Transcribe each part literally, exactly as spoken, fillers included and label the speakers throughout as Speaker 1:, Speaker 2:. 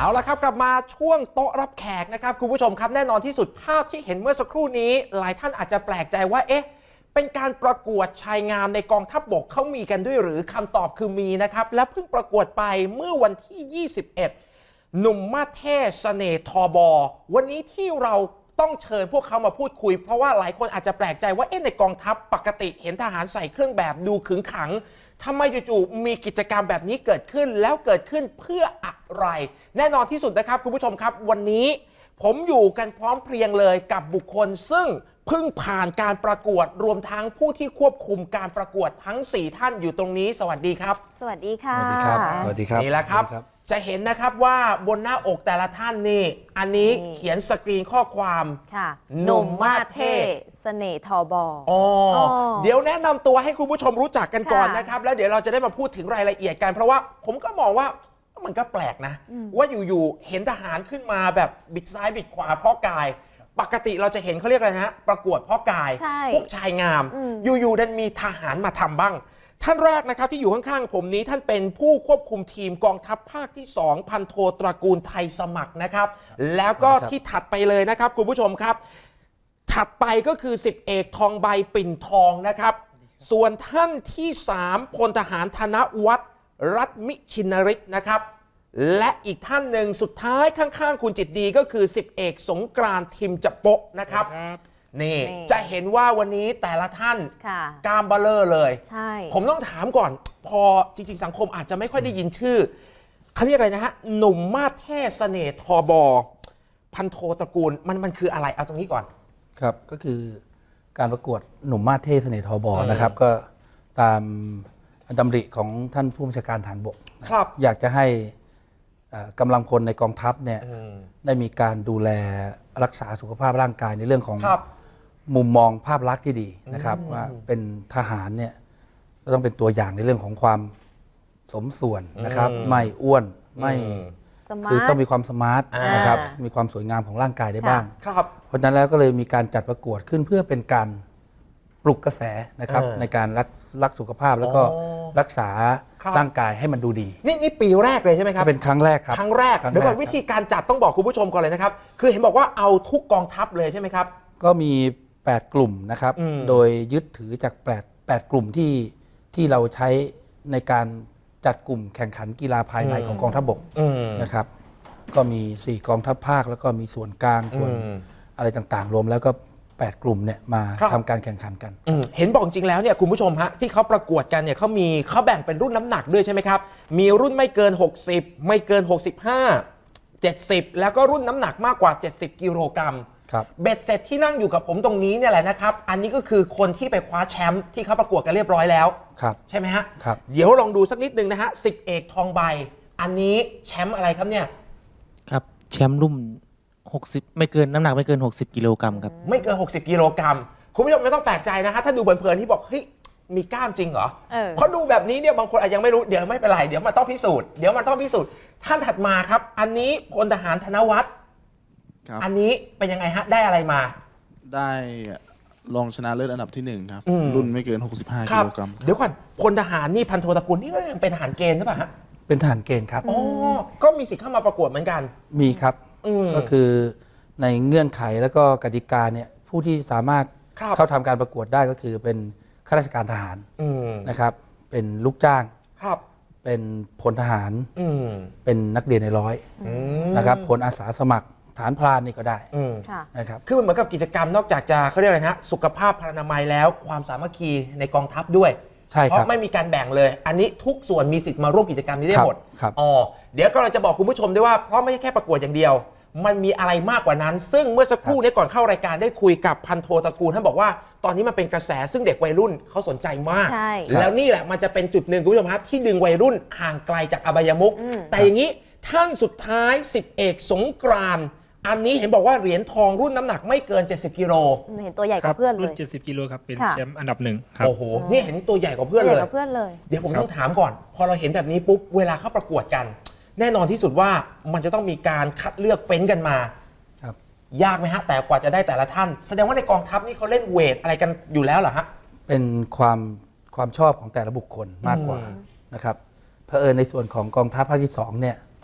Speaker 1: เอาละครับกลับมาช่วงโต๊ะรับแขกนะครับคุณผู้ชมครับแน่นอนที่สุดภาพที่เห็นเมื่อสักครู่นี้หลายท่านอาจจะแปลกใจว่าเอ๊ะเป็นการประกวดชายงามในกองทัพบกเขามีกันด้วยหรือคำตอบคือมีนะครับและเพิ่งประกวดไปเมื่อวันที่ยี่สิบเอ็ดหนุ่มมาเท่เสน่ห์ทบวันนี้ที่เราต้องเชิญพวกเขามาพูดคุยเพราะว่าหลายคนอาจจะแปลกใจว่าเอ๊ะในกองทัพปกติเห็นทหารใส่เครื่องแบบดูขึงขังทำไมจู่ๆมีกิจกรรมแบบนี้เกิดขึ้นแล้วเกิดขึ้นเพื่ออะไรแน่นอนที่สุดนะครับคุณผู้ชมครับวันนี้ผมอยู่กันพร้อมเพรียงเลยกับบุคคลซึ่งเพิ่งผ่านการประกวดรวมทั้งผู้ที่ควบคุมการประกวดทั้งสี่ท่านอยู่ตรงนี้สวัสดีครับ
Speaker 2: สวัสดีค่ะ
Speaker 3: สวัสดีครับสวัสดีครับ
Speaker 1: นี่แหละครับจะเห็นนะครับว่าบนหน้าอกแต่ละท่านนี่อันนี้เขียนสกรีนข้อความ
Speaker 2: ค่ะหนุ่มมาเท่เสน่ห์ทบ
Speaker 1: อ๋อเดี๋ยวแนะนำตัวให้คุณผู้ชมรู้จักกันก่อนนะครับแล้วเดี๋ยวเราจะได้มาพูดถึงรายละเอียดกันเพราะว่าผมก็มองว่ามันก็แปลกนะว่าอยู่ๆเห็นทหารขึ้นมาแบบบิดซ้ายบิดขวาพ่อกายปกติเราจะเห็นเขาเรียกอะไรนะประกวดพ่อกายพวกชายงามอยู่ๆดันมีทหารมาทำบ้างท่านแรกนะครับที่อยู่ข้างๆผมนี้ท่านเป็นผู้ควบคุมทีมกองทัพภาคที่สองพันโทตระกูลไทยสมัครนะครับแล้วก็ที่ถัดไปเลยนะครับคุณผู้ชมครับถัดไปก็คือสิบเอกทองใบปิ่นทองนะครับส่วนท่านที่สามพลทหารธนวัฒน์รัตมิชินริศนะครับและอีกท่านหนึ่งสุดท้ายข้างๆคุณจิตดีก็คือสิบเอกสงกรานต์ทิมจะโปะนะครับนี่จะเห็นว่าวันนี้แต่ละท่านกล้ามเบลอเลยใช่ผมต้องถามก่อนพอจริงๆสังคมอาจจะไม่ค่อยได้ยินชื่อเขาเรียกอะไรนะฮะหนุ่มมาเท่เสน่ห์ทบพันโทตระกูลมันมันคืออะไรเอาตรงนี้ก่อน
Speaker 3: ครับก็คือการประกวดหนุ่มมาเท่เสน่ห์ทบนะครับก็ตามดำริของท่านผู้บัญชาการฐานบกครับอยากจะให้กำลังพลในกองทัพเนี่ยได้มีการดูแลรักษาสุขภาพร่างกายในเรื่องของมุมมองภาพลักษณ์ที่ดีนะครับว่าเป็นทหารเนี่ยก็ต้องเป็นตัวอย่างในเรื่องของความสมส่วนนะครับไม่อ้วนไม่คือต้องมีความสมาร์ทนะครับมีความสวยงามของร่างกายได้บ้างเพราะฉะนั้นแล้วก็เลยมีการจัดประกวดขึ้นเพื่อเป็นการปลุกกระแสนะครับในการรักรักสุขภาพแล้วก็รักษาร่างกายให้มันดูดี
Speaker 1: นี่นี่ปีแรกเลยใช่ไหมครับ
Speaker 3: เป็นครั้งแรกครับ
Speaker 1: ครั้งแรกเดี๋ยวก่อนวิธีการจัดต้องบอกคุณผู้ชมก่อนเลยนะครับคือเห็นบอกว่าเอาทุกกองทัพเลยใช่ไหมครับ
Speaker 3: ก็มีแปดกลุ่มนะครับโดยยึดถือจากแปด แปดกลุ่มที่ที่เราใช้ในการจัดกลุ่มแข่งขันกีฬาภายในของกองทัพบกนะครับก็มีสี่กองทัพภาคแล้วก็มีส่วนกลางส่วนอะไรต่างๆรวมแล้วก็แปดกลุ่มเนี่ยมาทำการแข่งขันกัน
Speaker 1: เห็นบอกจริงแล้วเนี่ยคุณผู้ชมฮะที่เขาประกวดกันเนี่ยเขามีเขาแบ่งเป็นรุ่นน้ำหนักด้วยใช่ไหมครับมีรุ่นไม่เกินหกสิบไม่เกินหกสิบห้า เจ็ดสิบแล้วก็รุ่นน้ำหนักมากกว่าเจ็ดสิบกิโลกรัมเบ็ดเสร็จที่นั่งอยู่กับผมตรงนี้เนี่ยแหละนะครับอันนี้ก็คือคนที่ไปคว้าแชมป์ที่เขาประกวดกันเรียบร้อยแล้วใช่ไหมฮะเดี๋ยวลองดูสักนิดนึงนะฮะสิบเอกทองใบอันนี้แชมป์อะไรครับเนี่ย
Speaker 4: ครับแชมป์รุ่นหกสิบไม่เกินน้ำหนักไม่เกินหกสิบกิโลกรัมครับ
Speaker 1: ไม่เกินหกสิบกิโลกรัมคุณผู้ชมไม่ต้องแปลกใจนะฮะถ้าดูเพลินๆที่บอกเฮ้ยมีกล้ามจริงเหรอเพราะดูแบบนี้เนี่ยบางคนอาจยังไม่รู้เดี๋ยวไม่เป็นไรเดี๋ยวมันต้องพิสูจน์เดี๋ยวมันต้องพิสูจน์ท่านถัดมาครับอันนี้พลทหารธนวัฒน์อันนี้เป็นยังไงฮะได้อะไรมา
Speaker 5: ได้รองชนะเลิศอันดับที่หนึ่งครับรุ่นไม่เกินหกสิบห้ากิโลกรัม
Speaker 1: เดี๋ยวก่อนพลทหารนี่พันโทตระกูลนี่ก็ยังเป็นทหารเกณฑ์ใช่ป่ะฮะ
Speaker 3: เป็นทหารเกณฑ์ครับ
Speaker 1: อ๋อก็มีสิทธิ์เข้ามาประกวดเหมือนกัน
Speaker 3: มีครับก็คือในเงื่อนไขแล้วก็กติกาเนี่ยผู้ที่สามารถเข้าทำการประกวดได้ก็คือเป็นข้าราชการทหารนะครับเป็นลูกจ้างเป็นพลทหารเป็นนักเรียนในร้อยนะครับพลอาสาสมัครฐานพรานนี่ก็ได้นะครับ
Speaker 1: คือมันเหมือนกับกิจกรรมนอกจากจะเขาเรียกอะไรนะสุขภาพพรรณนามัยแล้วความสามัคคีในกองทัพด้วยเพราะไม่มีการแบ่งเลยอันนี้ทุกส่วนมีสิทธิ์มาร่วมกิจกรรมนี้ได้หมดอ๋อเดี๋ยวก็เราจะบอกคุณผู้ชมด้วยว่าเพราะไม่ใช่แค่ประกวดอย่างเดียวมันมีอะไรมากกว่านั้นซึ่งเมื่อสักครู่นี้ก่อนเข้ารายการได้คุยกับพันโทตระกูลท่านบอกว่าตอนนี้มันเป็นกระแสซึ่งเด็กวัยรุ่นเขาสนใจมากแล้วนี่แหละมันจะเป็นจุดหนึ่งคุณผู้ชมฮะที่ดึงวัยรุ่นห่างไกลจากอบายมุขแต่อย่างนี้ท่านสุดท้ายสิบเอกสงกรานต์อันนี้เห็นบอกว่าเหรียญทองรุ่นน้ำหนักไม่เกินเจ็ดสิบกิโล
Speaker 2: เห็นตัวใหญ่กว่าเพื่อนเลย
Speaker 4: รุ่นเจ็ดสิบกิโลครับเป็นแชมป์อันดับหนึ่งครับ
Speaker 1: โอ้โหนี่เห็นตัวใหญ่กว่าเพื่อนเลยเดี๋ยวผมต้องถามก่อนพอเราเห็นแบบนี้ปุ๊บเวลาเข้าประกวดกันแน่นอนที่สุดว่ามันจะต้องมีการคัดเลือกเฟ้นกันมายากไหมฮะแต่กว่าจะได้แต่ละท่านแสดงว่าในกองทัพนี่เขาเล่นเวทอะไรกันอยู่แล้วเหรอฮะ
Speaker 3: เป็นความความชอบของแต่ละบุคคลมากกว่านะครับเผอิญในส่วนของกองทัพภาคที่สองเนี่ย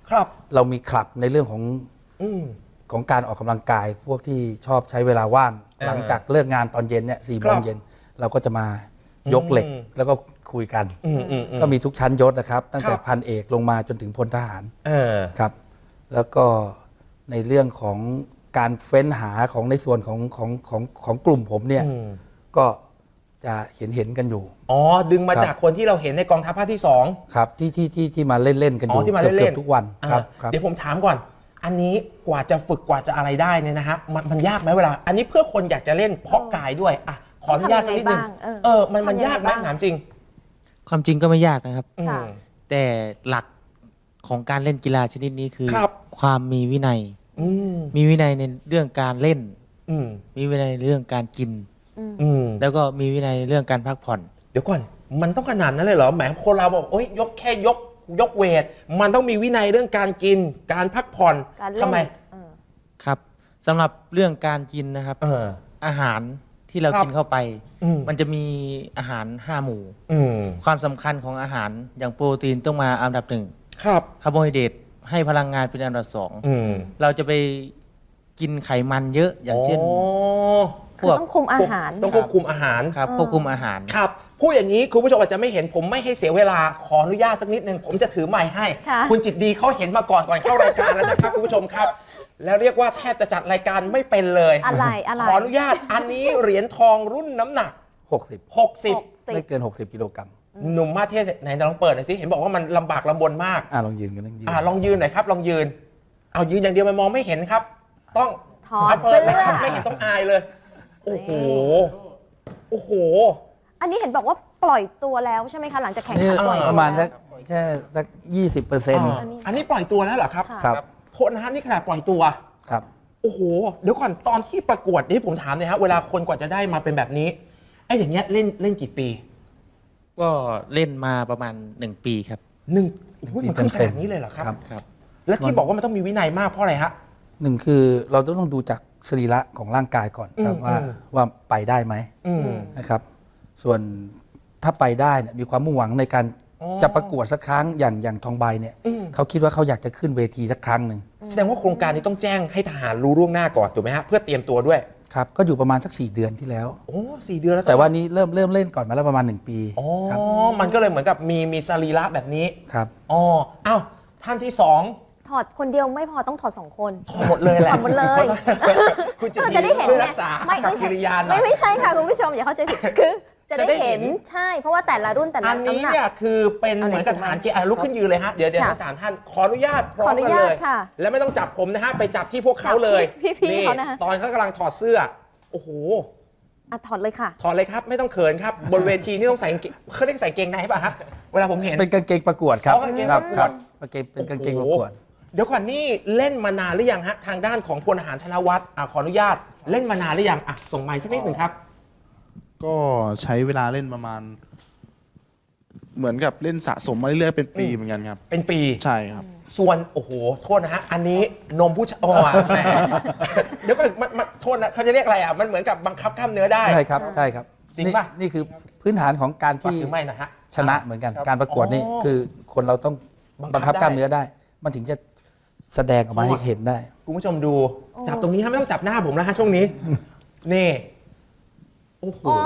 Speaker 1: ครับ
Speaker 3: เรามีคลับในเรื่องของ
Speaker 1: อืม
Speaker 3: ของการออกกำลังกาย พวกที่ชอบใช้เวลาว่าง
Speaker 1: อ่า
Speaker 3: หลังจากเลิกงานตอนเย็นเนี่ยสี่โม
Speaker 1: ครั
Speaker 3: ง
Speaker 1: บ
Speaker 3: เย็นเราก็จะมายกเหล็ก
Speaker 1: อืม
Speaker 3: แล้วก็คุยกัน
Speaker 1: อืมอืมอืม
Speaker 3: ก็มีทุกชั้นยศนะครับ ตั้งแต่
Speaker 1: ครับ
Speaker 3: พันเอกลงมาจนถึงพลทหาร
Speaker 1: เออ
Speaker 3: ครับ แล้วก็ในเรื่องของการเฟ้นหาของในส่วนของของของของกลุ่มผมเนี่ย
Speaker 1: อืม
Speaker 3: ก็จะเห็นเห็นกันอยู่
Speaker 1: อ๋อ ดึงมา
Speaker 3: ครับ
Speaker 1: จากคนที่เราเห็นในกองทัพภาคที่สอง
Speaker 3: ครับที่ที่ที่ที่มาเล่นเล่นๆกันอ
Speaker 1: อ๋อยู่ ที่มา
Speaker 3: เกือบ
Speaker 1: เล่นๆ
Speaker 3: เกือบทุกวันครับ
Speaker 1: อ่า
Speaker 3: ครับ
Speaker 1: เดี๋ยวผมถามก่อน อันนี้กว่าจะฝึกกว่าจะอะไรได้เนี่ยนะฮะมันมันยากไหมเวลา อันนี้เพื่อคนอยากจะเล่นเพาะกายด้วยอ่ะขออนุญาตสักนิดนึง
Speaker 2: ทำยังไงบ้างเออ
Speaker 1: เออมันมัน
Speaker 2: ทำยังไง
Speaker 1: ยากไหม
Speaker 2: บ้าง
Speaker 1: ถามจริง
Speaker 4: ความจริงก็ไม่ยากนะครับ
Speaker 1: อืม
Speaker 2: ค่ะ
Speaker 4: แต่หลักของการเล่นกีฬาชนิดนี้คือ
Speaker 1: ครับ
Speaker 4: ความมีวินัย
Speaker 1: อืม
Speaker 4: มีวินัยในเรื่องการเล่น
Speaker 1: อืม
Speaker 4: มีวินัยในเรื่องการกิน
Speaker 1: อืม
Speaker 4: แล้วก็มีวินัยในเรื่องการพักผ่อน
Speaker 1: เดี๋ยวก่อน มันต้องขนาดนั้นเลยเหรอ แหมคนเราบอกโอ๊ยยกแค่ยกยกเวท มันต้องมีวินัยเรื่องการกิน การพักผ่อน
Speaker 2: การเล่น
Speaker 1: ทำไม
Speaker 2: เออ
Speaker 4: ครับสำหรับเรื่องการกินนะครับ
Speaker 1: เออ
Speaker 4: อาหารที่เรา
Speaker 1: ครับ
Speaker 4: กินเข้าไป
Speaker 1: อืม
Speaker 4: มันจะมีอาหารห้าหมู่
Speaker 1: อืม
Speaker 4: ความสำคัญของอาหารอย่างโปรตีนต้องมาอันดับหนึ่ง
Speaker 1: ครับ
Speaker 4: คาร์โบไฮเดรตให้พลังงานเป็นอันดับสอง
Speaker 1: อืม
Speaker 4: เราจะไปกินไขมันเยอะอย่างเช่น
Speaker 1: อ๋อ
Speaker 2: คือต้องคุมอาหาร
Speaker 1: ต้องควบคุมอาหาร
Speaker 4: ครับควบคุมอาหาร
Speaker 1: ครับพูดอย่างนี้คุณผู้ชมอาจจะไม่เห็นผมไม่ให้เสียเวลาขออนุญาตสักนิดนึงผมจะถือไมค์ให้
Speaker 2: ค่ะ
Speaker 1: คุณจิตดีเขาเห็นมาก่อนก่อนเข้ารายการแล้วนะครับ คุณผู้ชมครับ แล้วเรียกว่าแทบจะจัดรายการไม่เป็นเลย
Speaker 2: อะไรอะไร
Speaker 1: ขออนุญาตอันนี้เหรียญทองรุ่นน้ำหนัก
Speaker 3: หกสิบ
Speaker 2: หก
Speaker 1: 60
Speaker 2: สิบ
Speaker 3: ไม่เกิน หกสิบกิโลกรัม
Speaker 1: หนุ่มมาเทศไหนลองเปิดหน่อยสิเห็นบอกว่ามันลำบากลำบนมาก
Speaker 3: อ่าลองยืนกันลองยืน
Speaker 1: อ่าลองยืนหน่อยครับ ลองยืน เอายืนอย่างเดียวมันมองไม่เห็นครับ ต้อง
Speaker 2: ถอด
Speaker 1: าปิ
Speaker 2: เสื้
Speaker 1: ลยครับ
Speaker 2: อ
Speaker 1: ไม่เห็นต้องอายเลย โอ้โหโอ้โห
Speaker 2: อันนี้เห็นบอกว่าปล่อยตัวแล้วใช่ไหมคะ หลังจากแข่ง
Speaker 3: นี่
Speaker 2: ขันปล่อย
Speaker 3: ป
Speaker 2: ตัว
Speaker 3: ระมาณ
Speaker 2: แล้
Speaker 3: สั
Speaker 2: ว
Speaker 3: กแค่สักยี่สิบเปอร์เซ็นต์
Speaker 1: อ่าอันนี้ปล่อยตัวแล้วเหรอครับ
Speaker 2: ค่ะ
Speaker 3: ครับ
Speaker 1: โทษนะฮะนี่ขนาดปล่อยตัว
Speaker 3: ครับ
Speaker 1: โอ้โห เดี๋ยวก่อนตอนที่ประกวดนี่ผมถามเลยฮะเวลาคนกว่าจะได้มาเป็นแบบนี้ไอ้อย่างเงี้ยเล่นเล่นกี่ปี
Speaker 4: ก็เล่นมาประมาณหนึ่งปีครับ
Speaker 1: หนึ่งโอ้โหมันขึ้นข
Speaker 3: เต็
Speaker 1: นาม ดนี้เลยเหรอครับ
Speaker 3: ครับ
Speaker 4: ครับ
Speaker 1: แล้วที่บอกว่ามันต้องมีวินัยมากเพราะอะไรฮะ
Speaker 3: หนึ่งคือเราต้องดูจากสรีระของร่างกายก่อนครับ
Speaker 1: อืม
Speaker 3: ว่า
Speaker 1: อืม
Speaker 3: ว่าไปได้ไหม
Speaker 1: อืม
Speaker 3: นะครับ ส่วนถ้าไปได้เนี่ยมีความมุ่งหวังในการ
Speaker 1: อ๋อ
Speaker 3: จะประกวดสักครั้งอย่างอย่างทองใบเนี่ย
Speaker 1: อืม
Speaker 3: เขาคิดว่าเขาอยากจะขึ้นเวทีสักครั้งหนึ่ง
Speaker 1: แสดงว่าโครงการนี้ต้องแจ้งให้ทหารรู้ล่วงหน้าก่อนถูกไหมฮะเพื่อเตรียมตัวด้วย
Speaker 3: ครับก็อยู่ประมาณสักสี่เดือนที่แล้ว
Speaker 1: โอ้สี่เดือนแล้ว
Speaker 3: แต่ว่านี้เริ่มเริ่มเล่นก่อนมาแล้วประมาณหนึ่งปี
Speaker 1: อ๋อ
Speaker 3: ครับ
Speaker 1: มันก็เลยเหมือนกับมีมีสรีระแบบนี้
Speaker 3: ครับ
Speaker 1: อ๋ออ้าวท่านที่สอง
Speaker 2: ถอดคนเดียวไม่พอต้องถอดสองคน
Speaker 1: ถอดหมดเลยแหละ
Speaker 2: ถอดหมดเลย
Speaker 1: คุณจิต
Speaker 2: ก็
Speaker 1: ดี
Speaker 2: จะได้เห็น
Speaker 1: ช่วย
Speaker 2: ไง
Speaker 1: รักษา
Speaker 2: ไม่
Speaker 1: กับ
Speaker 2: ไม่
Speaker 1: กิ
Speaker 2: ใช่
Speaker 1: ริยาหน่
Speaker 2: ไม่
Speaker 1: อย
Speaker 2: ไม่ใช่ค่ะคุณผู้ชมอย่าเข้าใจผิดคือจะ
Speaker 1: จะ
Speaker 2: ได้
Speaker 1: ได้เห็
Speaker 2: เห็
Speaker 1: น
Speaker 2: นใช่ เพราะว่าแต่ละรุ่นแต่ละ
Speaker 1: อันนี้
Speaker 2: ำหก
Speaker 1: เนี่ยคือเป็น
Speaker 2: เอาไหน
Speaker 1: เหมือนกับทหารเกณฑ์อ่ะลุกขึ้นยืนเลยฮะเดี๋ยวเดี๋ยว
Speaker 2: ค่ะ
Speaker 1: ทั้งสามท่านขออนุญาตพร้อ
Speaker 2: ขอ
Speaker 1: ม
Speaker 2: อนุ
Speaker 1: กัน
Speaker 2: ญา
Speaker 1: เล
Speaker 2: ต
Speaker 1: ย
Speaker 2: ค่ะ
Speaker 1: แล้วไม่ต้องจับผมนะฮะไปจับที่พวกเขาเลย
Speaker 2: จับที่พี่ๆเขานะคะ
Speaker 1: ตอนเขากำลังถอดเสื้อโอ้โห
Speaker 2: อ่ะถอดเลยค่ะ
Speaker 1: ถอดเลยครับไม่ต้องเขินครับ บนเวทีนี่ต้องใส่กางเกงเขาเรียกใส่เกงในป่ะฮะเวลาผมเห็น
Speaker 3: เป็นกางเกงประกวดครับ
Speaker 1: อ๋อกางเกง
Speaker 3: ครั
Speaker 1: ประกวด
Speaker 3: ครับกางเกงเป็นกางเกงประกวด
Speaker 1: โอ้โหเดี๋ยวก่อนนี่เล่นมานานหรือยังฮะทางด้านของพลทหารธนวัฒน์อ่ะขออนุญาตเล่นมานานหรือยังอ่ะส่งไมค์สักนิดหนึ่งครับ
Speaker 5: ก็ใช้เวลาเล่นประมาณ เหมือนกับเล่นสะสมมาเรื่อยๆเป็นปีเหมือนกันครับ
Speaker 1: เป็นปี
Speaker 5: ใช่ครับ
Speaker 1: ส่วนโอ้โหโทษนะฮะอันนี้นมผู้ชายอ๋อแหมเดี๋ยวก่อนมันมันโทษนะเขาจะเรียกอะไรอ่ะมันเหมือนกับบังคับกล้ามเนื้อได้
Speaker 3: ใช่ครับใช่ครับ
Speaker 1: จริงป่ะ
Speaker 3: นี่นี่คือพื้นฐานของการ
Speaker 1: ปัก
Speaker 3: ที่
Speaker 1: หรือไม่นะฮะ
Speaker 3: ชนะเหมือนกันการประกวดนี่
Speaker 1: อ๋อ
Speaker 3: คือคนเราต้อง
Speaker 1: บังคับ
Speaker 3: บังคับกล้าม
Speaker 1: ได้
Speaker 3: เนื้อได้ มันถึงจะแสดงออกมาให้เห็นได้
Speaker 1: คุณผู้ชมดู
Speaker 2: โอ้
Speaker 1: จับตรงนี้ฮะไม่ต้องจับหน้าผมแล้วฮะช่วงนี้ นี่โอ้โห
Speaker 2: อ๋อ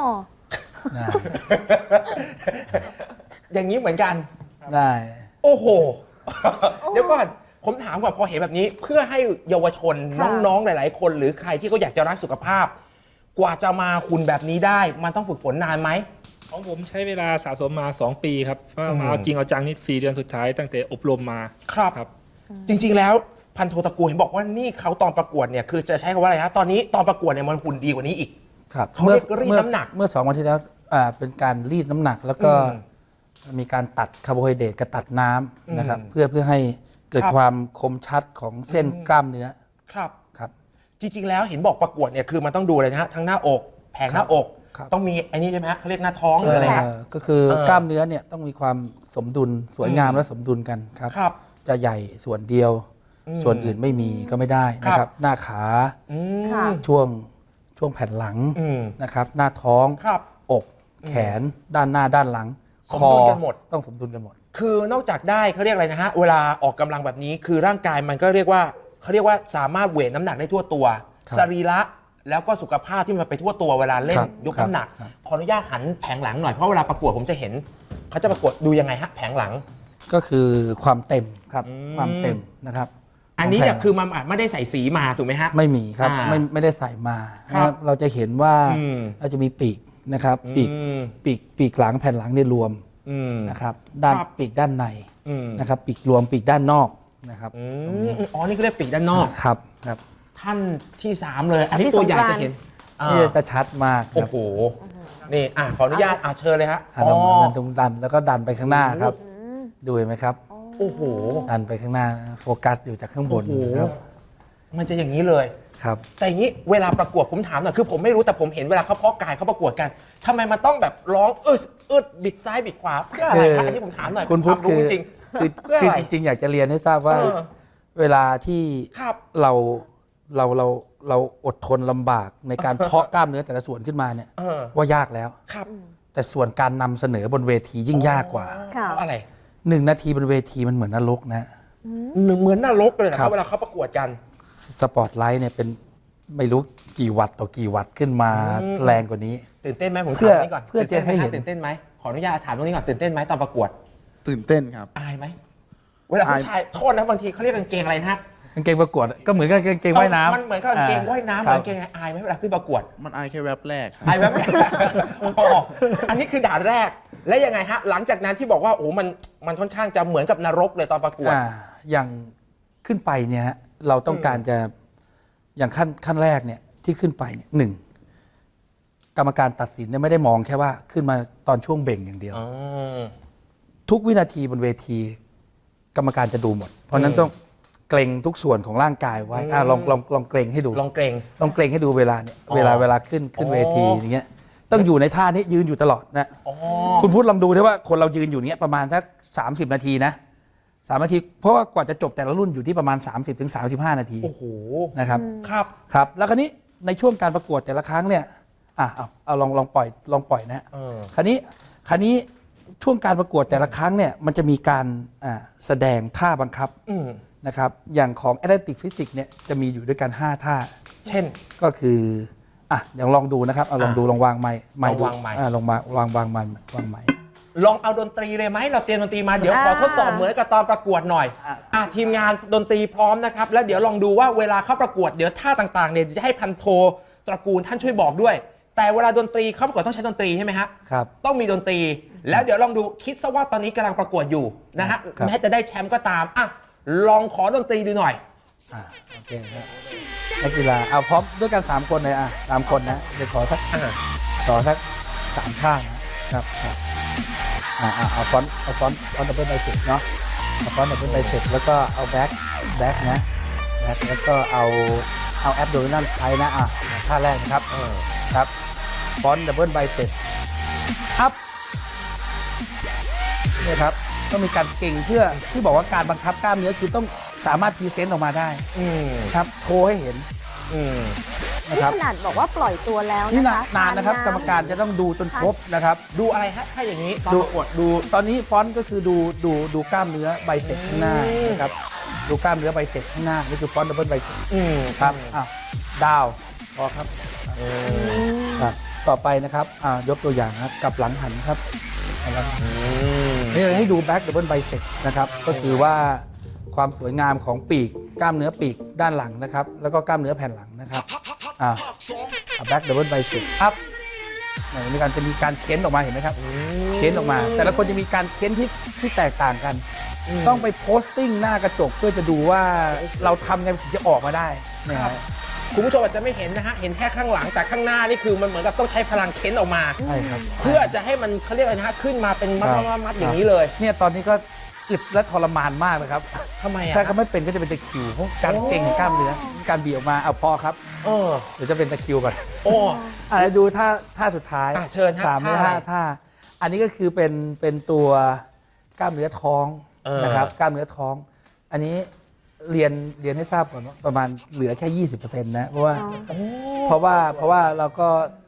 Speaker 1: อย่างนี้เหมือนกัน
Speaker 3: ได้
Speaker 1: โอ้โห เดี๋ยวก่อนผมถามก่อนพอเห็นแบบนี้ เพื่อให้เยาวชน
Speaker 2: ค่ะ
Speaker 1: น้องๆหลาย ๆ คน หรือใครที่เขาอยากจะรักสุขภาพ กว่าจะมาหุ่นแบบนี้ได้ มันต้องฝึกฝนนานไหม
Speaker 6: ของผมใช้เวลาสะสมมา สอง ปีครับเพราะ
Speaker 1: อืม
Speaker 6: มาเอาจริงเอาจังนี่สี่เดือนสุดท้ายตั้งแต่อบรมมา
Speaker 1: ครับ
Speaker 6: ครับ
Speaker 1: จริง ๆ แล้วพันโทตระกูลเห็นบอกว่านี่เขาตอนประกวดเนี่ยคือจะใช้คำว่าอะไรฮะตอนนี้ตอนประกวดเนี่ยมันหุ่นดีกว่านี้อีก
Speaker 3: ครับ
Speaker 1: เขาเรียกรีด
Speaker 3: เมื่อ
Speaker 1: น้ำหนัก
Speaker 3: เมื่อสองวันที่แล้วอ่าเป็นการรีดน้ำหนัก แล้วก็
Speaker 1: อื
Speaker 3: มีการตัดคาร์โบไฮเดรตกับตัดน้ำนะครับ
Speaker 1: อืม
Speaker 3: เพื่อเพื่อให้เกิด
Speaker 1: ครับ
Speaker 3: ความคมชัดของเส้น
Speaker 1: อืม
Speaker 3: กล้ามเนื้อ
Speaker 1: ครับ
Speaker 3: ครับ
Speaker 1: จริง ๆ แล้วเห็นบอกประกวดเนี่ยคือมันต้องดูเลยนะฮะทั้งหน้าอก แผงหน้าอก
Speaker 3: ครับ
Speaker 1: ต้องมีไอ้นี่ใช่ไหมฮะเขาเรียกหน้าท้องหรืออะไรฮะ
Speaker 3: เอ่อก็คือ
Speaker 1: เออ
Speaker 3: กล้ามเนื้อเนี่ยต้องมีความสมดุลสวยงาม
Speaker 1: อืม
Speaker 3: และสมดุลกันครับ
Speaker 1: ครับ
Speaker 3: จะใหญ่ส่วนเดียว
Speaker 1: อืม
Speaker 3: ส่วนอื่นไม่มีก็ไม่ได้นะค
Speaker 1: ครั
Speaker 3: รับ บ หน้าขา
Speaker 1: อืม
Speaker 2: ค่ะ
Speaker 3: ช่วงช่วงแผ่นหลัง
Speaker 1: อืม
Speaker 3: นะครับ หน้าท้อง
Speaker 1: ครับ
Speaker 3: อกแขน ด้านหน้าด้านหลัง
Speaker 1: สมดุลกันหมด
Speaker 3: ต้องสมดุลกันหมด
Speaker 1: คือนอกจากได้เขาเรียกอะไรนะฮะเวลาออกกำลังแบบนี้คือร่างกายมันก็เรียกว่าเขาเรียกว่าสามารถเวทน้ำหนักได้ทั่วตัว
Speaker 3: ครับ
Speaker 1: สรีระแล้วก็สุขภาพที่มันไปทั่วตัวเวลาเล่น
Speaker 3: ครับ
Speaker 1: ยกน้ำหนัก
Speaker 3: ครับ
Speaker 1: ขออนุญาตหันแผงหลังหน่อยเพราะเวลาประกวดผมจะเห็นเขาจะประกวดดูยังไงฮะแผงหลัง
Speaker 3: ก็คือความเต็มครับ
Speaker 1: อืม
Speaker 3: ความเต็มนะครับ
Speaker 1: อันนี้เนี่ย
Speaker 3: ขงแผ่
Speaker 1: คือมันอาจไม่ได้ใส่สีมาถูกไหมฮะ
Speaker 3: ไม่มีครับ
Speaker 1: อ่า
Speaker 3: ไม่ไม่ได้ใส่มา
Speaker 1: ครับ
Speaker 3: นะครับเราจะเห็นว่า
Speaker 1: อืม
Speaker 3: เราจะมีปีกนะครับปีก
Speaker 1: อืม
Speaker 3: ปีกปีกหลังแผ่นหลังเนี่ยรวม
Speaker 1: อืม
Speaker 3: นะครับด้าน
Speaker 1: ครับ
Speaker 3: ปีกด้านใน
Speaker 1: อืม
Speaker 3: นะครับปีกรวมปีกด้านนอกนะครับ
Speaker 1: อืมอ๋อนี่ก็เรียกปีกด้านนอก
Speaker 3: ครับครับ
Speaker 1: ท่านที่สามเลย อันนี้
Speaker 2: พี่
Speaker 1: ตัวใหญ่
Speaker 2: สงกรานต์
Speaker 1: จะเห็นอ่า
Speaker 3: นี่จะชัดมากค
Speaker 1: โอ้
Speaker 3: รับ
Speaker 1: โหนี่อ่ะขออนุญาตอ่ะเชิญเลยฮะ
Speaker 3: หันออกมาดันตรงดันแล้วก็ดันไปข้างหน้าครับ ดูเห็นไหมครับ
Speaker 1: โอ้โห
Speaker 3: ดันไปข้างหน้าโฟกัสอยู่จากข้างบน
Speaker 1: โอ้โห
Speaker 3: ครับ
Speaker 1: มันจะอย่างนี้เลย
Speaker 3: ครับ
Speaker 1: แต่อย่างนี้เวลาประกวดผมถามหน่อยคือผมไม่รู้แต่ผมเห็นเวลาเขาเพาะกายเขาประกวดกันทำไมมันต้องแบบร้องอึดอึดบิดซ้ายบิดขวาเพื่ออะไร
Speaker 3: คือ
Speaker 1: คะอันนี้ผมถามหน่อย
Speaker 3: คุณพุทธ
Speaker 1: วามรู้
Speaker 3: คือ
Speaker 1: จริง
Speaker 3: คือ
Speaker 1: เพื่อ
Speaker 3: คือ
Speaker 1: อะไร
Speaker 3: จริงๆอยากจะเรียนให้ทราบว่า
Speaker 1: เออ
Speaker 3: เวลาที่
Speaker 1: ครับ
Speaker 3: เราเราเราเราอดทนลำบากในการเพาะกล้ามเนื้อแต่ละส่วนขึ้นมาเนี่ย
Speaker 1: เออ
Speaker 3: ว่ายากแล้ว
Speaker 1: ครับ
Speaker 3: แต่ส่วนการนำเสนอบนเวทียิ่งยากกว่า
Speaker 2: ค่ะ
Speaker 1: เพราะอะไร
Speaker 3: หนึ่งนาทีบนเวทีมันเหมือนนรกนะ
Speaker 1: หนึ่งเหมือนนรกเลยนะค
Speaker 3: ครั
Speaker 1: รับบ เวลาเขาประกวดกัน
Speaker 3: สปอตไลท์เนี่ยเป็นไม่รู้กี่วัตต์ต่อกี่วัตต์ขึ้นมา
Speaker 1: อืม
Speaker 3: แรงกว่านี้
Speaker 1: ตื่นเต้นไหมผม
Speaker 3: เพื่
Speaker 1: ถาม
Speaker 3: อ
Speaker 1: นี้ก่อน
Speaker 3: เพื่อจะให้เห็น
Speaker 1: ตื่นเต้นไหมขออนุญาตถามตรงนี้ก่อนตื่นเต้นไหมตอนประกวด
Speaker 5: ตื่นเต้นครับ
Speaker 1: อายไหมเวลาผู้ชายโทษนะบางทีเขาเรียกกางเกงอะไรนะฮะ
Speaker 3: กางเกงประกวดก็เหมือนกับกางเกงว่ายน้ำ
Speaker 1: มันเหมือนกับกางเกงว่ายน้ำเห
Speaker 3: ค
Speaker 1: มื
Speaker 3: รั
Speaker 1: อบ นกางเกงอายไหมเวลาขึ้นประกวด
Speaker 5: มันอายแค่แวบแรกครับ
Speaker 1: อายไหมอ๋ออันนี้คือด่านแรกและยังไงฮะหลังจากนั้นที่บอกว่าโอ้มันมันค่อนข้างจะเหมือนกับนรกเลยตอนประกวด
Speaker 3: อ่าอย่างขึ้นไปเนี่ยฮะเราต้องการจะอย่างขั้นขั้นแรกเนี่ยที่ขึ้นไปเนี่ยหนึ่งกรรมการตัดสินเนี่ยไม่ได้มองแค่ว่าขึ้นมาตอนช่วงเบ่งอย่างเดียว
Speaker 1: อ๋อ
Speaker 3: ทุกวินาทีบนเวที กรรมการจะดูหมด เพราะฉะนั้น
Speaker 1: อืม
Speaker 3: ต้องเกรงทุกส่วนของร่างกายไว้อ่ะ
Speaker 1: อืม
Speaker 3: ลองลองลองเกรงให้ดู
Speaker 1: ลองเกรง
Speaker 3: ลองเกรงให้ดูเวลาเนี่ย
Speaker 1: อ๋อ
Speaker 3: เวลาเวลาขึ้นขึ้น
Speaker 1: อ๋อ
Speaker 3: เวทีอย่างเงี้ยต้องอยู่ในท่านี้ยืนอยู่ตลอดนะ
Speaker 1: อ๋อ
Speaker 3: คุณพูดลองดูได้ว่าคนเรายืนอยู่เนี้ยประมาณสักสามสิบนาทีนะสามนาที เพราะว่ากว่าจะจบแต่ละรุ่นอยู่ที่ประมาณ สามสิบถึงสามสิบห้า นาที
Speaker 1: โอ้โห
Speaker 3: นะครับ
Speaker 1: ครับ
Speaker 3: ครับแล้วคราวนี้ในช่วงการประกวดแต่ละครั้งเนี่ยอ่ะเอาเอาลองลองปล่อยลองปล่อยนะฮะ
Speaker 1: เออ
Speaker 3: คราวนี้คราวนี้ช่วงการประกวดแต่ละครั้งเนี่ยมันจะมีการอ่าแสดงท่าบังคับ
Speaker 1: อืม
Speaker 3: นะครับอย่างของ Atlantic Physics เนี่ยจะมีอยู่ด้วยกันห้าท่า
Speaker 1: เช่น
Speaker 3: ก็คืออ่ะอย่างลองดูนะครับเอาลองดูลองวางไม้ไม้
Speaker 1: ลอง
Speaker 3: ดู
Speaker 1: วางไมค์
Speaker 3: อ่ะลองมาวางวางไม้วางไม้
Speaker 1: ลองเอาดนตรีเลยไหมเราเตรียมดนตรีมาเดี๋ยวขอ
Speaker 2: อ่า
Speaker 1: ทดสอบเหมือนกับตอนประกวดหน่อย
Speaker 3: อ่ะ
Speaker 1: อ่ะทีมงานดนตรีพร้อมนะครับแล้วเดี๋ยวลองดูว่าเวลาเข้าประกวดเดี๋ยวท่าต่างๆเนี่ยจะให้พันโทตระกูลท่านช่วยบอกด้วย แต่เวลาดนตรีเข้าประกวดต้องใช้ดนตรีใช่ไหมฮะ
Speaker 3: ครับ
Speaker 1: ต้องมีดนตรี แล้วเดี๋ยวลองดูคิดซะว่าตอนนี้กำลังประกวดอยู่นะฮะ
Speaker 3: ครับ
Speaker 1: แม้จะได้แชมป์ก็ตามอ่ะลองขอดนตรีดูหน่อย
Speaker 3: อ่าโอเคครับนักกีฬาเอาพร้อมด้วยกันสามคนเลยอ่ะสามคนนะเดี๋ยวขอสัก
Speaker 1: อ่ะ
Speaker 3: ขอสักสามท่านะครับครับอ่าอ่าเอาฟอนต์เอาฟอนต์ฟอนต์ดับเบิลไบเซ็ปเนาะเอาฟอนต์ดับเบิลไบเซ็ปแล้วก็เอาแบ็คแบ็คนะแบ็คแล้วก็เอาเอาแอปโดมินัลไทนะอ่ะท่าแรกนะครับครับฟอนต์ดับเบิลไบเซ็ปอัพเนี่ยครับต้องมีการเก่งเพื่อที่บอกว่าการบังคับกล้ามเนื้อคือต้องสามารถพรีเซนต์ออกมาได้
Speaker 1: อืม
Speaker 3: ครับโชว์ให้เห็น
Speaker 1: อืม
Speaker 3: นะ
Speaker 2: นี่
Speaker 3: ครับ
Speaker 2: ขนาดบอกว่าปล่อยตัวแล้ว
Speaker 3: นี่
Speaker 2: นะ
Speaker 3: นา
Speaker 2: คะ
Speaker 3: นานนะครับกรรมการจะต้องดูจนครบนะครับ
Speaker 1: ดูอะไรฮะถ้าอย่างนี้ตอน
Speaker 3: ดู
Speaker 1: ประกวด
Speaker 3: ดูตอนนี้ฟอนต์ก็คือดูดูดูกล้ามเนื้อไบเซ็ปข้างหน้า
Speaker 1: อืม
Speaker 3: นะครับดูกล้ามเนื้อไบเซ็ปข้างหน้านี่คือฟอนต์ดับเบิลไบเซ็ป
Speaker 1: อืม
Speaker 3: ครับอ้าวดาวพอครับครับต่อไปนะครับอ่ายกตัวอย่างนะครับกลับหลังหันครับกลับหลังหัน
Speaker 1: อืม
Speaker 3: นี่ให้ดูแบ็กดับเบิลไบเซ็ปนะครับก็คือว่าความสวยงามของปีกกล้ามเนื้อปีกด้านหลังนะครับแล้วก็กล้ามเนื้อแผ่นหลังนะครับอ่าแบ็กดับเบิลไบเซ็ปอัพมีการจะมีการเค้นออกมาเห็นไหมครับ เค้นออกมา แต่ละคนจะมีการเค้นที่ที่แตกต่างกัน ต้องไปโพสติ้งหน้ากระจกเพื่อจะดูว่าเราทำไงถึงจะออกมาได้นะค
Speaker 1: ครั
Speaker 3: รับ
Speaker 1: บ คุณผู้ชมอาจจะไม่เห็นนะฮะ เห็นแค่ข้างหลังแต่ข้างหน้านี่คือมันเหมือนกับต้องใช้พลังเค้นออกมา
Speaker 3: ใช่ครับ
Speaker 1: เพื่อจะให้มันเขาเรียกอะไรนะฮะขึ้นมาเป็นมัด
Speaker 3: ครับ
Speaker 1: มัดมัดอย่างนี้เลย
Speaker 3: เนี่ยตอนนี้ก็อึดและทรมานมากนะครับ
Speaker 1: ทำไมอ่ะ
Speaker 3: ถ้าเขาไม่เป็นก็จะเป็นตะคริวเพราะการเก่งของกล้ามเนื้อการบีบออกมาเอาพอครับ
Speaker 1: เออ
Speaker 3: เดี๋ยวจะเป็นตะคริวก่อน
Speaker 1: โอ้
Speaker 3: อ่ะแล้วดูท่าท่าสุดท้าย
Speaker 1: อ่ะเชิญฮะ
Speaker 3: สามหรือ
Speaker 1: ท่า
Speaker 3: ห้า
Speaker 1: อะไร
Speaker 3: ท่า อันนี้ก็คือเป็นเป็นตัวกล้ามเนื้อท้อง
Speaker 1: เออ
Speaker 3: นะครับกล้ามเนื้อท้อง อันนี้เรียนเรียนให้ทราบก่อนว่าประมาณเหลือแค่ ยี่สิบเปอร์เซ็นต์ นะเพราะว่า เพราะว่าเพราะว่าเราก็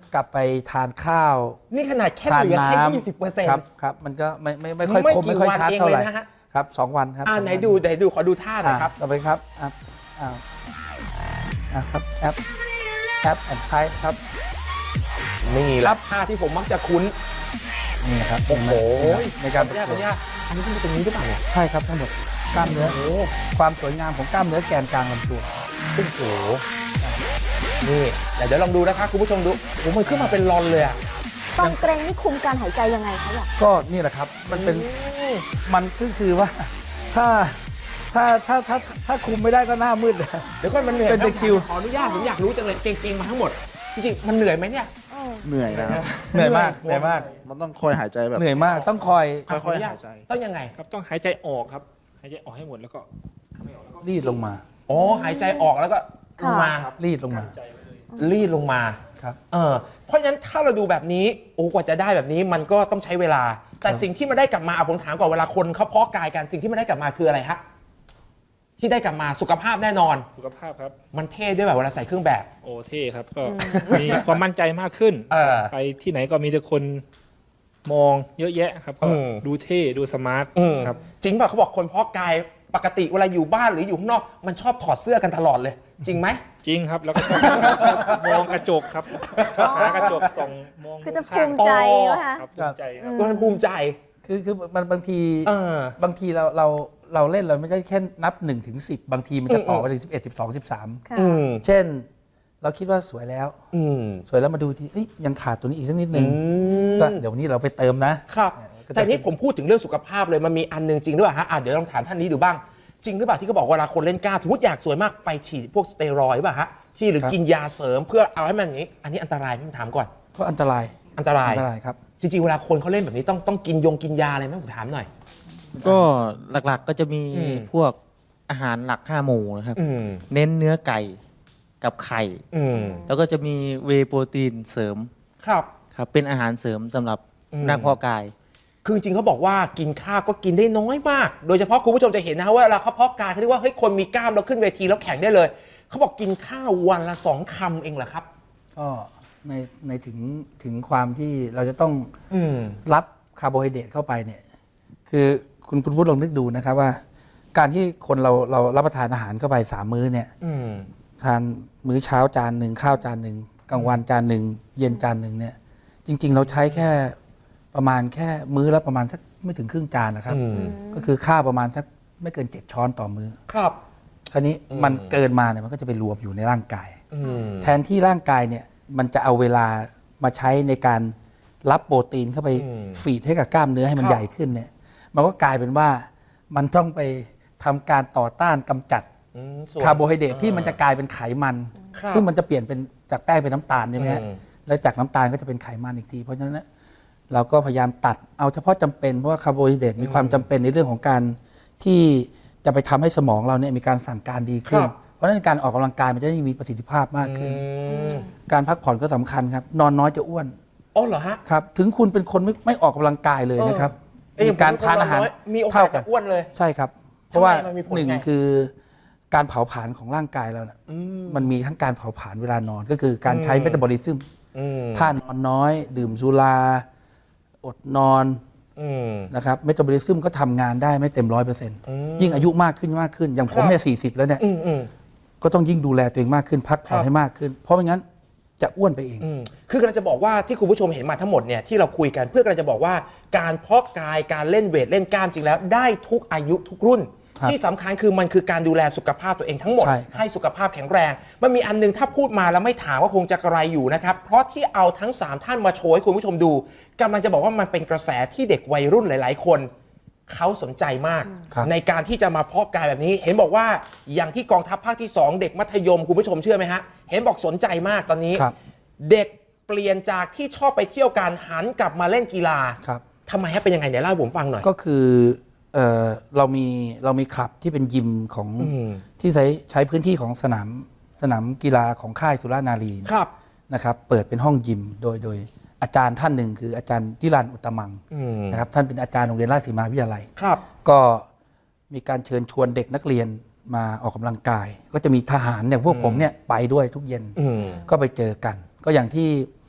Speaker 3: กลับไปทานข้าว
Speaker 1: นี่ขนาดแค่
Speaker 3: ทาน
Speaker 1: เหลือแค่
Speaker 3: น้
Speaker 1: ยี่สิบเปอร์เซ็นต์
Speaker 3: ครับครับมันก็ไม่ไม่ไม่ค่อย
Speaker 1: ไม่
Speaker 3: คม
Speaker 1: กี่
Speaker 3: ไม่ค่อย
Speaker 1: วัน
Speaker 3: ชัด
Speaker 1: เอง
Speaker 3: เท่าไหร่
Speaker 1: เลยนะฮะ
Speaker 3: ครับสองวันครับ
Speaker 1: อ่า
Speaker 3: สอง
Speaker 1: ไหน
Speaker 3: วัน
Speaker 1: ดูไหนดูขอดูท่าหน่อยครับ
Speaker 3: ต่อไปครับอ่ะอ่ะอ่ะครับแอปแอปแอนไทครับ
Speaker 1: นี่แหละท่าที่ผมมักจะคุ้น
Speaker 3: นี่นะครับ
Speaker 1: โอ้โห
Speaker 3: ในการ
Speaker 1: ขออนุญาตขออนุญาตอันนี้คือตรงนี้หรือเปล่าเนี่ย
Speaker 3: ใช่ครับทั้งหมดกล้ามเนื้อ
Speaker 1: โอ้โห
Speaker 3: ความสวยงามของกล้ามเนื้อแกนกลางลำตัว
Speaker 1: โอ้โหนี่แต่เดี๋ยวลองดูนะคะคุณผู้ชมดูโอ้โหมันขึ้นมาเป็นรอนเลยอ่ะ
Speaker 2: ตอนเกรงนี่คุมการหายใจยังไงคะอยาก
Speaker 3: ก็นี่แหละครับมันเป็น
Speaker 1: อืม
Speaker 3: มันก็คือว่า ถ้าถ้าถ้าถ้าถ้าคุมไม่ได้ก็หน้ามืดเลย
Speaker 1: เดี๋ยวก่อนมันเหนื่อย
Speaker 3: เป็นตะคริว
Speaker 1: ขออนุญาตผมอยากรู้จังเลยเก่งๆมาทั้งหมดจริงๆมันเหนื่อยไหมเนี่ย
Speaker 2: เออ
Speaker 5: เหนื่อยนะครับ
Speaker 3: เหนื่อยมากเหนื่อยมาก
Speaker 5: มันต้องคอยหายใจแบบ
Speaker 3: เหนื่อยมากต้องคอย
Speaker 5: ค่อยๆหายใจ
Speaker 1: ต้องยังไง
Speaker 6: ครับต้องหายใจออกครับหายใจออกให้หมดแล้วก็
Speaker 3: รีดลงมา
Speaker 1: อ๋อหายใจออกแล้วก็ลงมา
Speaker 3: รีดลงมา
Speaker 6: ใจไว้เลย
Speaker 1: รีดลงมา
Speaker 3: ครับ
Speaker 1: เออเพราะฉะนั้นถ้าเราดูแบบนี้โอ้กว่าจะได้แบบนี้มันก็ต้องใช้เวลา แต่สิ่งที่มันได้กลับมาเอาผมถามก่อนเวลาคนเขาเพาะกายกันสิ่งที่มันได้กลับมาคืออะไรฮะที่ได้กลับมาสุขภาพแน่นอน
Speaker 6: สุขภาพครับ
Speaker 1: มันเท่ด้วยแบบเวลาใส่เครื่องแบบ
Speaker 6: โอเท่ครับก็มีความมั่นใจมากขึ้น
Speaker 1: เออ
Speaker 6: ไปที่ไหนก็มีแต่คนมองเยอะแยะครับก็
Speaker 1: อืม
Speaker 6: ดูเท่ดูสมาร์ท
Speaker 1: อืม
Speaker 6: ครับ
Speaker 1: จริงป่ะเขาบอกคนเพาะกายปกติเวลาอยู่บ้านหรืออยู่ข้างนอกมันชอบถอดเสื้อกันตลอดเลย จริงไหม
Speaker 6: จริงครับแล้วก็ชอบชอบมองกระจกครับหากระจกส่องมอง
Speaker 2: คือจะ
Speaker 6: ข้า
Speaker 2: ภู
Speaker 6: ง
Speaker 2: มิใจวะคะ
Speaker 6: ครับภูมิใจครับ
Speaker 1: ตัวมันภูมิใจ
Speaker 3: คือคือมันบางที
Speaker 1: เออบ
Speaker 3: างทีเราเราเราเล่นเราไม่ได้แค่นับหนึ่งถึงสิบบางทีมันจะต่อไปถึงสิบเอ็ดสิบสองสิบสาม
Speaker 2: ค่ะ
Speaker 1: อืม
Speaker 3: เช่น เราคิดว่าสวยแล้ว
Speaker 1: อืม
Speaker 3: สวยแล้วมาดูทีเอ้ยยังขาดตัวนี้อีกสักนิดนึ
Speaker 1: อื
Speaker 3: ง
Speaker 1: ม
Speaker 3: ก็เดี๋ยววันนี้เราไปเติมนะ
Speaker 1: ครับ
Speaker 3: ก็จะ
Speaker 1: แต่นี่ผมพูดถึงเรื่องสุขภาพเลยมันมีอันหนึงจริงหรือเปล่าฮะอ่ะเดี๋ยวลองถามท่านนี้ดูบ้าง จริงหรือเปล่าที่เขาบอกเวลาคนเล่นกล้ามสมมติอยากสวยมากไปฉีดพวกสเตียรอยด์ป่ะฮะที่หรือกินยาเสริมเพื่อเอาให้มันอย่างนี้ อันนี้อันตรายไหมผมถามก่อน
Speaker 3: ก็อันตราย
Speaker 1: อันตราย
Speaker 3: อันตรายครับ
Speaker 1: จริงๆเวลาคนเขาเล่นแบบนี้ต้องต้องกินยงกินยาอะไรไหมผมถามหน่อย
Speaker 4: ก็หลักๆก็จะมี
Speaker 1: อืม
Speaker 4: พวกอาหารหลักห้าหมู่นะครับ
Speaker 1: อืม
Speaker 4: เน้นเนื้อไก่กับไข่
Speaker 1: อืม
Speaker 4: แล้วก็จะมีเวย์โปรตีนเสริม
Speaker 1: ครับ
Speaker 4: ครับเป็นอาหารเสริมสำหรับ
Speaker 1: อืม
Speaker 4: นักเพาะกาย
Speaker 1: คือจริงๆเขาบอกว่ากินข้าวก็กินได้น้อยมาก โดยเฉพาะคุณผู้ชมจะเห็นนะว่าเวลาเขาเพาะกายเขาเรียกว่าเฮ้ยคนมีกล้ามแล้วขึ้นเวทีแล้วแข่งได้เลยเขาบอกกินข้าววันละสองคำเองเหรอครับ
Speaker 3: ก็ในในถึงถึงความที่เราจะต้อง
Speaker 1: อืม
Speaker 3: รับคาร์โบไฮเดรตเข้าไปเนี่ย คือคุณคุณพูดลองนึกดูนะครับว่า การที่คนเราเรารับประทานอาหารเข้าไปสามมื้อเนี่ย
Speaker 1: อืม
Speaker 3: ทานมื้อเช้าจานหนึ่งข้าวจานหนึ่งกลางวันจานหนึ่งเย็นจานหนึ่งเนี่ย จริง ๆ เราใช้แค่ประมาณแค่มื้อละประมาณสักไม่ถึงครึ่งจานนะครับ
Speaker 1: อืม
Speaker 3: ก็คือข้าวประมาณสักไม่เกินเจ็ดช้อนต่อมื้อ
Speaker 1: ครับ
Speaker 3: คราวนี้
Speaker 1: อืม
Speaker 3: มันเกินมาเนี่ยมันก็จะไปรวมอยู่ในร่างกาย
Speaker 1: อืม
Speaker 3: แทนที่ร่างกายเนี่ยมันจะเอาเวลามาใช้ในการรับโปรตีนเข้าไป
Speaker 1: อืม
Speaker 3: ฟีดให้กับกล้ามเนื้อให้มัน
Speaker 1: ครับ
Speaker 3: ใหญ่ขึ้นเนี่ยมันก็กลายเป็นว่ามันต้องไปทำการต่อต้านกำจัด
Speaker 1: อืมส่วน
Speaker 3: คาร์โบไฮเดรตที่มันจะกลายเป็นไขมัน
Speaker 1: ครับ
Speaker 3: ซึ่งมันจะเปลี่ยนเป็นจากแป้งเป็นน้ำตาลใช่ไหมฮะ
Speaker 1: อืม
Speaker 3: แล้วจากน้ำตาลก็จะเป็นไขมันอีกที เพราะฉะนั้นเนี่ยเราก็พยายามตัดเอาเฉพาะจำเป็นเพราะว่าคาร์โบไฮเดรตมีความจำเป็นในเรื่องของการที่จะไปทำให้สมองเราเนี่ยมีการสั่งการดีขึ้น
Speaker 1: ครับ
Speaker 3: เพราะฉะนั้นการออกกำลังกายมันจะได้มีประสิทธิภาพมากขึ้น
Speaker 1: อืม
Speaker 3: การพักผ่อนก็สำคัญครับ นอนน้อยจะอ้วน
Speaker 1: อ๋อเหรอฮะ
Speaker 3: ครับ ถึงคุณเป็นคนไม่ไม่ออกกำลังกายเลยนะครับ
Speaker 1: เอ้ย
Speaker 3: มีการทานอาหาร
Speaker 1: มีโอกา
Speaker 3: เท่า
Speaker 1: ส
Speaker 3: กั
Speaker 1: จะ
Speaker 3: น
Speaker 1: อ้วนเลย
Speaker 3: ใช่ครับ เพราะว่า
Speaker 1: ทำไมมันมีผล
Speaker 3: หนึ่ง
Speaker 1: ไง
Speaker 3: คือการเผาผลาญของร่างกายเราเนี่ย
Speaker 1: อืม
Speaker 3: มันมีทั้งการเผาผลาญเวลานอนก็คือการใช้
Speaker 1: อืม
Speaker 3: เมตาบอลิซึม
Speaker 1: อืม
Speaker 3: ถ้านอนน้อย ดื่มสุรา อดนอน
Speaker 1: อืม
Speaker 3: นะครับเมตาบอลิซึมก็ทำงานได้ไม่เต็มร้อยเปอร์เซ็นต์
Speaker 1: อืม
Speaker 3: ยิ่งอายุมากขึ้นมากขึ้น อย่างผมเนี่ยสี่สิบแล้วเนี่ย
Speaker 1: อืมอืม
Speaker 3: ก็ต้องยิ่งดูแลตัวเองมากขึ้น พักผ่อน
Speaker 1: ครับ
Speaker 3: ให้มากขึ้น เพราะไม่งั้นจะอ้วนไปเอง
Speaker 1: อืมคือกำลังจะบอกว่าที่คุณผู้ชมเห็นมาทั้งหมดเนี่ยที่เราคุยกันเพื่อกำลังจะบอกว่าการเพาะกายการเล่นเวทเล่นกล้ามจริงแล้วได้ทุกอายุทุกรุ่น
Speaker 3: ครับ
Speaker 1: ที่สำคัญคือมันคือการดูแลสุขภาพตัวเองทั้งหมด
Speaker 3: ใช่ครับ
Speaker 1: ให้สุขภาพแข็งแรง มันมีอันนึงถ้าพูดมาแล้วไม่ถามว่าคงจะกระไรอยู่นะครับ เพราะที่เอาทั้งสามท่านมาโชว์ให้คุณผู้ชมดูกำลังจะบอกว่ามันเป็นกระแสที่เด็กวัยรุ่นหลาย ๆ คนเขาสนใจมาก
Speaker 3: ครับ
Speaker 1: ในการที่จะมาเพาะกายแบบนี้ เห็นบอกว่าอย่างที่กองทัพภาคที่สองเด็กมัธยมคุณผู้ชมเชื่อไหมฮะเห็นบอกสนใจมากตอนนี้
Speaker 3: ครับ
Speaker 1: เด็กเปลี่ยนจากที่ชอบไปเที่ยวการหันกลับมาเล่นกีฬา
Speaker 3: ครับ
Speaker 1: ทำไมฮะเป็นยังไงเดี๋ยวเล่าให้ผมฟังหน่อย
Speaker 3: ก็คือเอ่อเรามีเรามีคลับที่เป็นยิมของ
Speaker 1: อืม
Speaker 3: ที่ใช้ใช้พื้นที่ของสนามสนามกีฬาของค่ายสุรานารี
Speaker 1: ครับ
Speaker 3: นะครับ เปิดเป็นห้องยิมโดยโดยอาจารย์ท่านหนึ่งคืออาจารย์ดิรันอุตตมัง
Speaker 1: อืม
Speaker 3: นะครับท่านเป็นอาจารย์โรงเรียนราชสีมาวิทยาลัย
Speaker 1: ครับ
Speaker 3: ก็มีการเชิญชวนเด็กนักเรียนมาออกกำลังกาย ก็จะมีทหารอย่างพวกผมเนี่ยไปด้วยทุกเย็น
Speaker 1: อืม
Speaker 3: ก็ไปเจอกัน ก็อย่างที่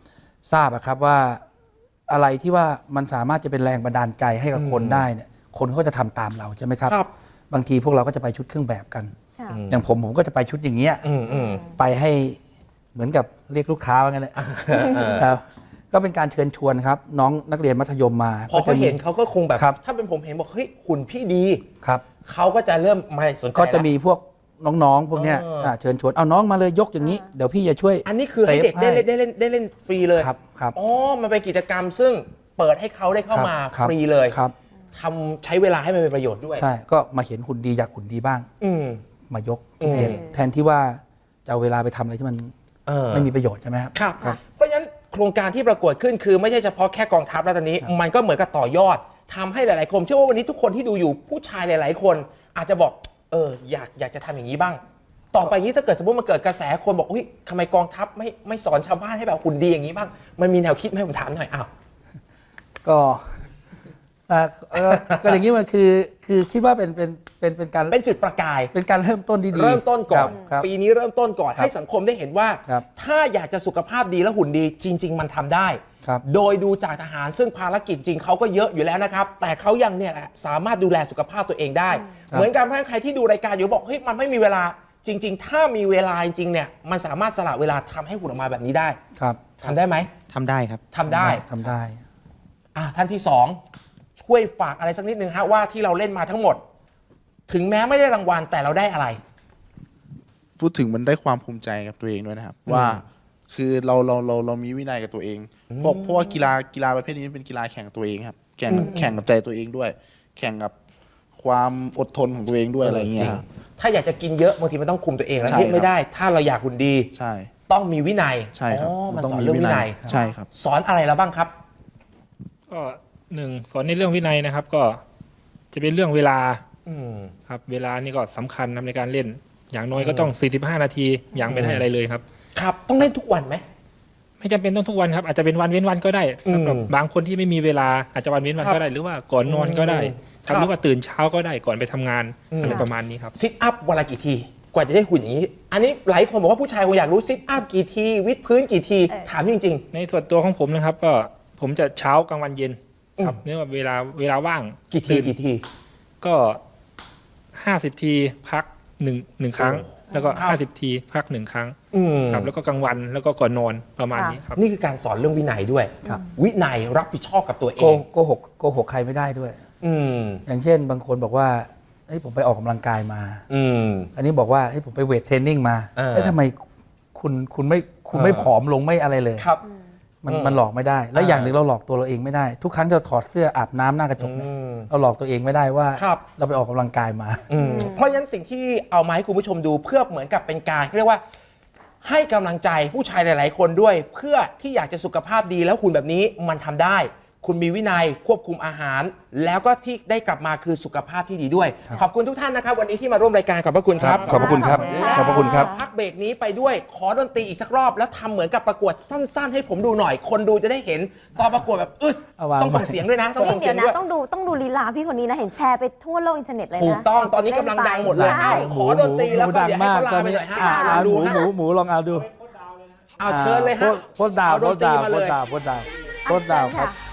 Speaker 3: ทราบอะครับว่าอะไรที่ว่ามันสามารถจะเป็นแรงบันดาลใจให้กับคนได้เนี่ยคนเขาจะทำตามเราใช่ไหมครับ
Speaker 1: ครับ
Speaker 3: บางทีพวกเราก็จะไปชุดเครื่องแบบกัน
Speaker 2: ค่ะ
Speaker 3: อย่างผมผมก็จะไปชุดอย่างเงี้ย
Speaker 1: อืมอืม
Speaker 3: ไปให้เหมือนกับเรียกลูกค้าว่างั้นเลยครับก็เป็นการเชิญชวนครับ น้องนักเรียนมัธยมมา
Speaker 1: พอเขา
Speaker 3: จะมี
Speaker 1: เห็นเขาก็คงแบบ
Speaker 3: ครับ
Speaker 1: ถ้าเป็นผมเห็นบอกเฮ้ยหุ่นพี่ดี
Speaker 3: ครับ
Speaker 1: เขาก็จะเริ่มไม่สนใจ
Speaker 3: ก็จะ
Speaker 1: ละ
Speaker 3: มีพวกน้องๆพวกเนี้ย
Speaker 1: เอออ่
Speaker 3: าเชิญชวนเอาน้องมาเลยยกอย่างนี้ เดี๋ยวพี่จะช่วย
Speaker 1: อันนี้คือให้เด็กได้เล่นได้เล่นได้เล่นฟรีเลย
Speaker 3: ครับครับ
Speaker 1: อ๋อมันเป็นกิจกรรมซึ่งเปิดให้เขาได้เข้ามา
Speaker 3: ครับ
Speaker 1: ฟรีเลย
Speaker 3: ครับ
Speaker 1: ทำใช้เวลาให้มันเป็นประโยชน์ด้วย
Speaker 3: ใช่ก็มาเห็นหุ่นดีอยากหุ่นดีบ้าง
Speaker 1: อืม
Speaker 3: มายก
Speaker 1: อืม
Speaker 3: เรียนแทนที่ว่าจะเอาเวลาไปทำอะไรที่มัน
Speaker 1: เออ
Speaker 3: ไม่มีประโยชน์ใช่ไหมครับ
Speaker 1: ครับ
Speaker 3: ครับ
Speaker 1: เพราะฉะนั้นโครงการที่ประกวดขึ้นคือไม่ใช่เฉพาะแค่กองทัพแล้วตอนนี้ มันก็เหมือนกับต่อยอดทำให้หลายๆคนเชื่อว่าวันนี้ทุกคนที่ดูอยู่ผู้ชายหลาย ๆ คน อาจจะบอกเอออยากอยากจะทำอย่างนี้บ้าง ต่อไปนี้ถ้าเกิดสมมติมันเกิดกระแสคนบอกอุ้ยทำไมกองทัพไม่ไม่สอนชาวบ้านให้แบบหุ่นดีอย่างนี้บ้างมันมีแนวคิดไหมผมถามหน่อยอ้าว
Speaker 3: ก็อ่าเอ่อก็อย่างนี้มันคือคือคิดว่าเป็นเป็นเป็นเป็นการ
Speaker 1: เป็นจุดประกาย
Speaker 3: เป็นการเริ่มต้นที่ดี
Speaker 1: เริ่มต้นก่อน
Speaker 3: ครับ
Speaker 1: ปีนี้เริ่มต้นก่อน
Speaker 3: ครับ
Speaker 1: ให้สังคมได้เห็นว่า
Speaker 3: ครับ
Speaker 1: ถ้าอยากจะสุขภาพดีและหุ่นดีจริง ๆ มันทำได้
Speaker 3: ครับ
Speaker 1: โดยดูจากทหารซึ่งภารกิจจริงเขาก็เยอะอยู่แล้วนะครับ แต่เขายังเนี่ยแหละสามารถดูแลสุขภาพตัวเองได้ เหมือนกันเพราะฉะนั้นใครที่ดูรายการอยู่บอกเฮ้ยมันไม่มีเวลาจริง ๆ ถ้ามีเวลาจริงๆเนี่ยมันสามารถสละเวลาทำให้หุ่นออกมาแบบนี้ได้
Speaker 3: ครับ
Speaker 1: ทำได้ไหม
Speaker 4: ทำได้ครับ
Speaker 1: ทำได้
Speaker 3: ทำได้
Speaker 1: อ่ะท่านที่สองช่วยฝากอะไรสักนิดนึงฮะว่าที่เราเล่นมาทั้งหมด ถึงแม้ไม่ได้รางวัลแต่เราได้อะไร
Speaker 5: พูดถึงมันได้ความภูมิใจกับตัวเองด้วยนะครับ ว่าคือเราเราเราเรามีวินัยกับตัวเองเพราะเพราะว่ากีฬากีฬาประเภทนี้เป็นกีฬาแข่งกับตัวเองครับแข่งแข่งกับใจตัวเองด้วย แข่งกับความอดทนของตัวเองด้วยอะไรอย่างเงี้ยครับ
Speaker 1: ถ้าอยากจะกินเยอะบางทีมันต้องคุมตัวเองแล้ว
Speaker 5: ใช่
Speaker 1: เฮ้ย
Speaker 5: ครับ
Speaker 1: ไม่ได้ ถ้าเราอยากหุ่นดี
Speaker 5: ใช่
Speaker 1: ต้องมีวินัย
Speaker 5: ใช่ครับ
Speaker 1: อ๋อมัน
Speaker 5: ต้อง
Speaker 1: สอน
Speaker 5: มี
Speaker 1: เรื่องวินัย
Speaker 5: ใช่ครับ
Speaker 1: สอนอะไรแล้วบ้างครับ
Speaker 6: ก็หนึ่งสอนในเรื่องวินัยนะครับ ก็จะเป็นเรื่องเวลา
Speaker 1: อืม
Speaker 6: ครับเวลานี่ก็สำคัญนะในการเล่น อย่างน้อยก็ต้อง สี่สิบห้า นาทีอย่างไม่ได้อะไรเลยครับ
Speaker 1: ครับต้องเล่นทุกวันไหม
Speaker 6: ไม่จำเป็นต้องทุกวันครับอาจจะเป็นวันเว้นวันก็ได้สำหรับ
Speaker 1: อืม
Speaker 6: บางคนที่ไม่มีเวลาอาจจะวันเว้นวัน
Speaker 1: ครับ
Speaker 6: ก็ได้ หรือว่าก่อนนอนก็ได้
Speaker 1: ครับ
Speaker 6: ทำหรือว่าตื่นเช้าก็ได้ก่อนไปทำงาน
Speaker 1: อืม
Speaker 6: อะไรประมาณนี้ครับ
Speaker 1: ซิทอัพวันละกี่ที กว่าจะได้หุ่นอย่างนี้ อันนี้หลายคนบอกว่าผู้ชายคงอยากรู้ซิทอัพกี่ที วิดพื้นกี่ที
Speaker 2: เออ
Speaker 1: ถามจริง
Speaker 6: ในส่วนตัวของผมนะครับ ก็ผมจะเช้ากลางวันเย็นครับ
Speaker 1: อืม
Speaker 6: เนื่องจากเวลาเวลาว่าง
Speaker 1: ๆ กี่ที
Speaker 6: ตื่น
Speaker 1: กี่ที
Speaker 6: ก็ห้าสิบทีพักหนึ่งหนึ่งครั้ง แล้วก็
Speaker 1: ครับ
Speaker 6: ห้าสิบทีพักหนึ่งครั้ง
Speaker 1: อืม
Speaker 6: ครับแล้วก็กลางวันแล้วก็ก่อนนอนประมาณนี้ครับ
Speaker 1: นี่คือการสอนเรื่องวินัยด้วย
Speaker 3: ครับ
Speaker 1: วินัยรับผิดชอบกับตัวเอ
Speaker 3: โก
Speaker 1: ง
Speaker 3: โกหกโกหกใครไม่ได้ด้วย
Speaker 1: อืม
Speaker 3: อย่างเช่น บางคนบอกว่าเฮ้ยผมไปออกกำลังกายมา
Speaker 1: อืม
Speaker 3: อันนี้บอกว่าเฮ้ยผมไปเวทเทรนนิ่งมา
Speaker 1: เออ
Speaker 3: แล้วทำไมคุณคุณไม่คุณ
Speaker 1: เออ
Speaker 3: ไม่ผอมลงไม่อะไรเลย
Speaker 1: ครับ
Speaker 3: มัน
Speaker 1: อืม
Speaker 3: มันหลอกไม่ได้ และ
Speaker 1: อ่า
Speaker 3: อย่างหนึ่งเราหลอกตัวเราเองไม่ได้ ทุกครั้งที่เราถอดเสื้ออาบน้ำหน้ากระจกเนี่ย
Speaker 1: อืม
Speaker 3: เราหลอกตัวเองไม่ได้ว่า
Speaker 1: ครับ
Speaker 3: เราไปออกกำลังกายมา
Speaker 1: อืมเพราะฉะนั้นสิ่งที่เอามาให้คุณผู้ชมดูเพื่อเหมือนกับเป็นการเรียกว่า ให้กำลังใจผู้ชายหลาย ๆ คนด้วย เพื่อที่อยากจะสุขภาพดีแล้วหุ่นแบบนี้มันทำได้ คุณมีวินัยควบคุมอาหาร แล้วก็ที่ได้กลับมาคือสุขภาพที่ดีด้วย
Speaker 3: ครับ
Speaker 1: ขอบคุณทุกท่านนะครับ วันนี้ที่มาร่วมรายการขอบพระคุณครับ
Speaker 3: ขอบพระคุณครับ ขอบพระคุณครับ
Speaker 1: พักเบรกนี้ไปด้วยขอดนตรีอีกสักรอบ แล้วทำเหมือนกับประกวดสั้น ๆ ให้ผมดูหน่อย คนดูจะได้เห็นตอนประกวดแบบอึส
Speaker 3: เอาวาง
Speaker 1: ต้องส่งเสียงด้วยนะ ต้อง
Speaker 2: เฮ้ย
Speaker 1: ส่งเสี
Speaker 2: เดี๋
Speaker 1: ย
Speaker 2: ย
Speaker 1: ง
Speaker 2: วนะ
Speaker 1: ด้วย
Speaker 2: ต้องดูต้องดูลีลาพี่คนนี้นะ เห็นแชร์ไปทั่วโลกอินเทอร์เน็ตเลยนะ
Speaker 1: ถูกต้องตอนนี้กำลังดังหมดเลย
Speaker 2: ใช่
Speaker 1: อ้าวขอดนตรีแล้วก็เดี๋ยวให้เขาลาไปหน่อยฮะ
Speaker 3: อ่า
Speaker 1: ลอง
Speaker 3: ห
Speaker 1: ดู
Speaker 3: มู
Speaker 1: ฮะ
Speaker 3: หมูหมูลองเอาดู
Speaker 1: เอาเชิญเลยฮะ
Speaker 3: โพสต์โพสต์ดาว
Speaker 1: เอา
Speaker 3: โพ
Speaker 1: ด
Speaker 3: ส
Speaker 1: น
Speaker 3: ต์
Speaker 1: ตรี
Speaker 3: ดาว
Speaker 1: มา
Speaker 3: โพ
Speaker 1: เล
Speaker 3: ส
Speaker 1: ย
Speaker 3: ต์ดาวโพสต์ดาวโพสต์ดาวครับ